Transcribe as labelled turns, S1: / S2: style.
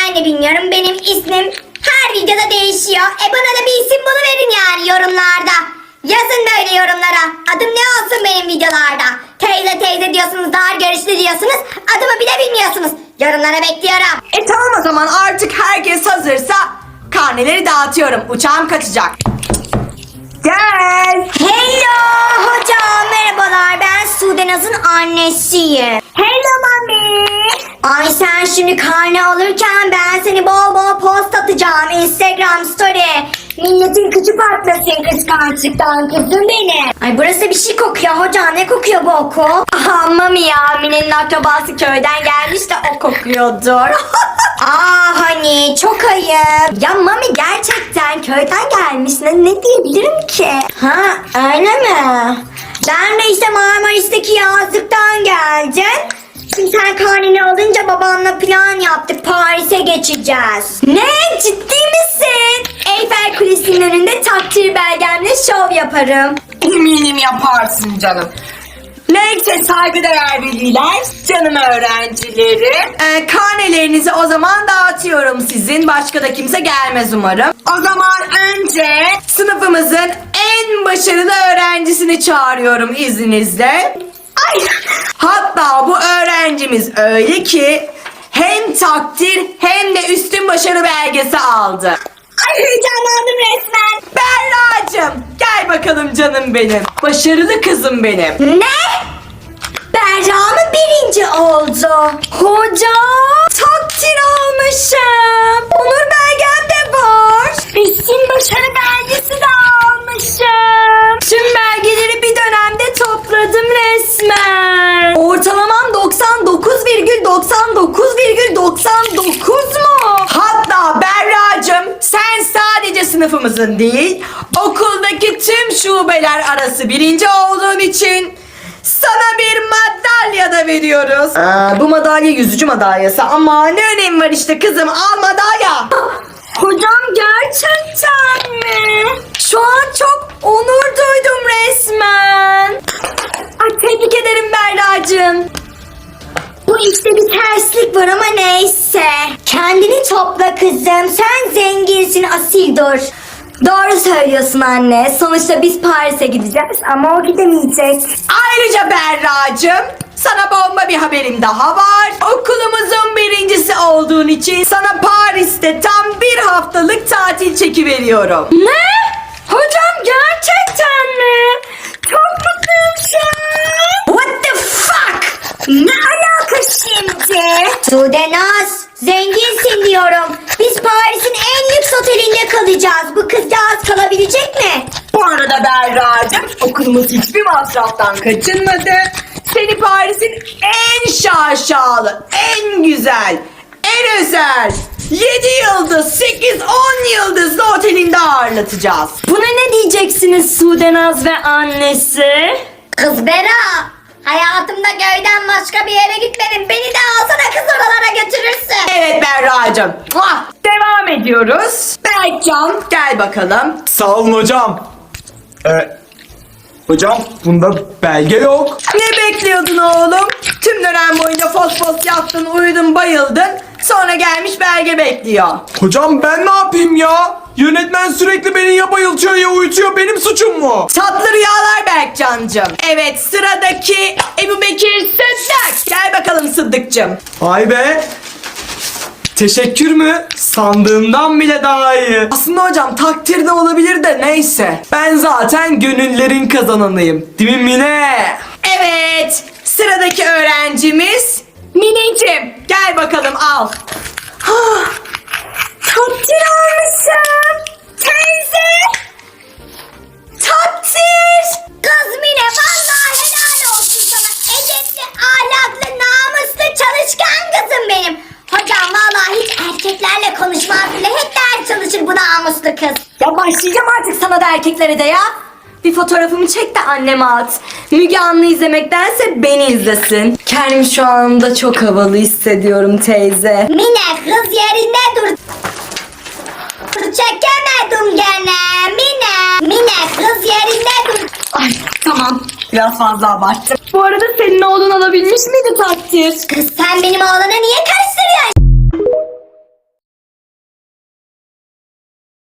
S1: ben de bilmiyorum. Benim ismim her videoda değişiyor. Bana da bir isim buluverin yani yorumlarda. Yazın böyle yorumlara. Adım ne olsun benim videolarda? Teyze teyze diyorsunuz, dar görüşlü diyorsunuz. Adımı bile bilmiyorsunuz. Yorumlara bekliyorum.
S2: Tamam o zaman artık herkes hazırsa karneleri dağıtıyorum. Uçağım kaçacak. Gel.
S1: Hello hocam, merhabalar. Ben Sudenaz'ın annesiyim. Hello mami. Ay sen şimdi karne alırken ben seni bol bol post atacağım. Instagram story. Milletin kıçı patlasın kıskançlıktan kızım benim. Ay burası bir şey kokuyor hocam. Ne kokuyor bu okul? Aha mami ya. Mine'nin akrabası köyden gelmiş de o kokuyordur. Aa hani çok ayıp. Ya mami gerçekten köyden gelmiş. Ne diyebilirim ki? Ha öyle mi? Ben de işte Marmaris'teki yazlıktan geldim. Şimdi sen karneni alınca babanla plan yaptık. Paris'e geçeceğiz. Ne? Ciddi misin? Eyfel Kulesi'nin önünde takdir belgemle şov yaparım.
S2: Eminim yaparsın canım. Neyse saygıdeğer veliler, canım öğrencileri. Karnelerinizi o zaman dağıtıyorum sizin. Başka da kimse gelmez umarım. O zaman önce sınıfımızın en başarılı öğrencisini çağırıyorum izninizle. Ay. Hatta bu öğrencimiz öyle ki hem takdir hem de üstün başarı belgesi aldı.
S1: Ay heyecanlandım resmen.
S2: Berra'cığım gel bakalım canım benim. Başarılı kızım benim.
S1: Ne? Berra mı birinci oldu? Hocam takdir almışım. Onur belgem de var. Üstün başarı belgesi de almışım.
S2: Tüm belgeleri bir dönemde topladım resmen. Ortalamam 99,99,99 mu? Hatta Berra'cığım sen sadece sınıfımızın değil okuldaki tüm şubeler arası birinci olduğun için sana bir madalya da veriyoruz. Bu madalya yüzücü madalyası ama ne önemi var işte kızım, al madalya.
S1: Hocam gerçekten mi?
S2: Şu an çok onur duydum resmen. Ay tebrik ederim Berra'cığım.
S1: Bu işte bir terslik var ama neyse. Kendini topla kızım. Sen zenginsin, asil dur. Doğru söylüyorsun anne. Sonuçta biz Paris'e gideceğiz ama o gidemeyecek.
S2: Ayrıca Berra'cığım sana bomba bir haberim daha var. Okulumuzun birincisi olduğun için sana Paris'te tam bir haftalık tatil çekiveriyorum.
S1: Ne? Hocam gerçekten mi? Çok mutluyum şu an. What the fuck? Ne alaka şimdi? Sudenaz, zenginsin diyorum. Biz Paris'in en lüks otelinde kalacağız. Bu kızcağız kalabilecek mi?
S2: Bu arada Berra'cığım okulumuz hiçbir masraftan kaçınmadı. Seni Paris'in en şaşalı, en güzel, en özel 7 yıldız, 8, 10 yıldızlı otelinde ağırlatacağız.
S1: Buna ne diyeceksiniz Sudenaz ve annesi? Kız Bera, hayatımda köyden başka bir yere gitmedim. Beni de alsana kız oralara götürürsün.
S2: Evet Berra'cığım. Devam ediyoruz. Berkcan gel bakalım.
S3: Sağ olun hocam. Hocam bunda belge yok.
S2: Ne bekliyordun oğlum? Tüm dönem boyunca fos fos yattın, uyudun, bayıldın. Sonra gelmiş belge bekliyor.
S3: Hocam ben ne yapayım ya? Yönetmen sürekli beni ya bayıltıyor ya uyutuyor. Benim suçum mu?
S2: Tatlı rüyalar Berkcancığım. Evet sıradaki Ebubekir Sıddık. Gel bakalım Sıddık'cığım.
S3: Vay be. Teşekkür mü? Sandığımdan bile daha iyi.
S2: Aslında hocam takdir de olabilir de neyse.
S3: Ben zaten gönüllerin kazananıyım. Değil mi Mine?
S2: Evet sıradaki öğrencimiz Mineciğim. Gel bakalım al.
S1: Takdir almışım. Teyze.
S2: Takdir.
S1: Kız Mine vallahi helal olsun sana. Edepli, ahlaklı, namuslu, çalışkan kızım benim. Hocam vallahi hiç erkeklerle konuşmaz bile. Hep ders çalışır bu namuslu kız.
S2: Ya başlayacağım artık sana da erkeklere de ya. Bir fotoğrafımı çek de anneme at. Müge Anlı izlemektense beni izlesin. Kendimi şu anda çok havalı hissediyorum teyze.
S1: Mine kız yerinde dur. Çekemedim gene Mine. Mine kız yerinde dur.
S2: Ay tamam. Biraz fazla abarttım. Bu arada senin oğlun alabilmiş miydi takdir?
S1: Kız sen benim oğlana niye karıştırıyorsun